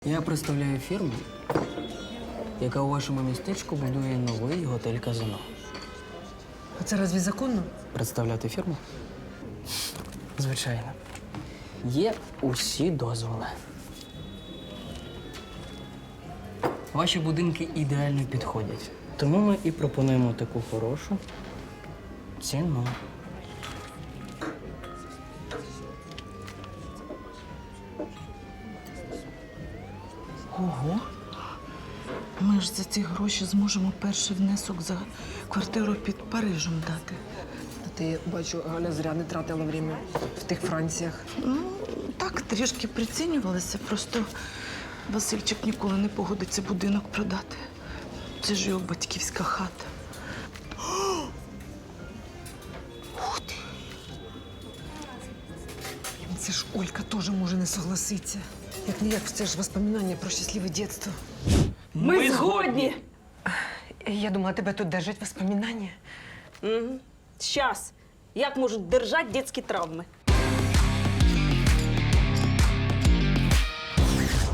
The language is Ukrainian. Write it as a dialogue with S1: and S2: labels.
S1: Я представляю фірму, яка у вашому містечку будує новий готель казино.
S2: А це разві законно?
S1: Представляти фірму? Звичайно. Є усі дозволи. Ваші будинки ідеально підходять. Тому ми і пропонуємо таку хорошу ціну.
S2: Ого. Ми ж за ці гроші зможемо перший внесок за квартиру під Парижем дати.
S3: Ти, бачу, Галя зря не тратила время в тих Франціях.
S2: Ну, так, трішки прицінювалися. Просто Васильчик ніколи не погодиться будинок продати. Це ж його батьківська хата. Ух ти!
S3: Це ж Олька теж може не согласитися. Як ніяк, це ж воспоминання про щасливе дитинство.
S1: Ми згодні!
S3: Я думала, тебе тут держать воспоминання.
S4: Щас. Як можуть держати дитячі травми?